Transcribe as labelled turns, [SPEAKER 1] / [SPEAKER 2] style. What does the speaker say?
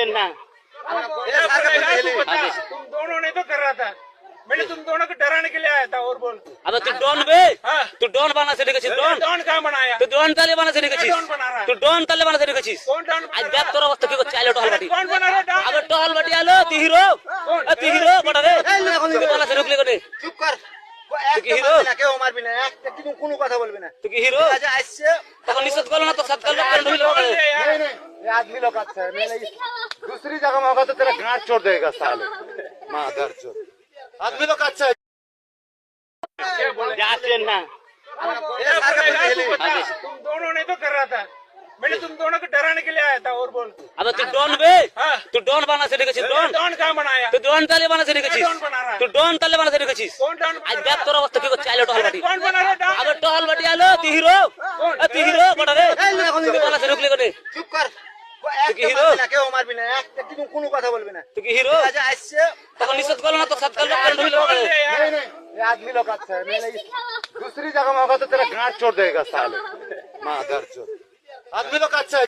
[SPEAKER 1] ना
[SPEAKER 2] तुम दोनों ने तो कर रहा था। मैंने तुम दोनों को डराने के लिए आया था। और बोल
[SPEAKER 1] अब तू डॉन बे
[SPEAKER 2] हाँ।
[SPEAKER 1] तू डॉन बना से निकचिस डॉन
[SPEAKER 2] डॉन कहाँ बनाया?
[SPEAKER 1] तू डॉन ताले बना से निकचिस
[SPEAKER 2] डॉन बना रहा है?
[SPEAKER 1] तू डॉन ताले बना से निकचिस
[SPEAKER 2] कौन डॉन बना
[SPEAKER 1] आज
[SPEAKER 2] रहा है?
[SPEAKER 1] बैक तोरा वस्तु की को चाले टहल बाटी
[SPEAKER 2] कौन बना रहा है डॉन?
[SPEAKER 1] अब टहल बाटी आलो तू हीरो तू हीरो बड़ा रे तू बना से रुकले कोने
[SPEAKER 3] চুপ কর
[SPEAKER 1] তুই কি হিরো?
[SPEAKER 3] কেউ মারবি না একটা কিন্তু কোনো কথা বলবি না
[SPEAKER 1] तू की हीरो
[SPEAKER 3] আচ্ছা আসছে
[SPEAKER 1] तখন निषेध करलो ना तो सत्कार लोग कर ढुइलो
[SPEAKER 2] बोल दे यार।
[SPEAKER 3] नहीं नहीं ये आदमी लोग अच्छा है मैंने दूसरी जगह में होगा तो तेरा गांठ छोड़ देगा साले मादर चोद आदमी लोग अच्छा है
[SPEAKER 2] क्या बोले?
[SPEAKER 1] जाते ना
[SPEAKER 2] तुम दोनों ने तो कर रहा था। मैंने तुम दोनों को डराने के लिए आया था। और बोल
[SPEAKER 1] अब तू डॉन बे
[SPEAKER 2] हाँ।
[SPEAKER 1] तू डॉन बना से निकचिस डॉन
[SPEAKER 2] डॉन कहाँ बनाया?
[SPEAKER 1] तू डॉन ताले बना से निकचिस
[SPEAKER 2] डॉन बना रहा है?
[SPEAKER 1] तू डॉन ताले बना से निकचिस
[SPEAKER 2] कौन डॉन बना
[SPEAKER 1] आज
[SPEAKER 2] रहा
[SPEAKER 1] बैक
[SPEAKER 2] है?
[SPEAKER 1] तोरा वस्तु की को चाले टहल बाटी
[SPEAKER 2] कौन बना रहा है डॉन?
[SPEAKER 1] अब टहल बाटी आलो तू हीरो तू हीरो बड़ा रे तू बना से रुकले कोने
[SPEAKER 3] চুপ কর
[SPEAKER 1] কি হিরো?
[SPEAKER 3] কেউ মারবি না একটা কিন্তু কোনো কথা বলবি না
[SPEAKER 1] तू की हीरो
[SPEAKER 3] আচ্ছা আসছে
[SPEAKER 1] तখন निषेध करलो ना तो सत्कार लोग कर ढुइलो
[SPEAKER 2] बोल दे यार।
[SPEAKER 3] नहीं नहीं ये आदमी लोग अच्छा है मैंने दूसरी जगह में होगा तो तेरा गांठ छोड़ देगा साले मादर चोद आदमी लोग अच्छा है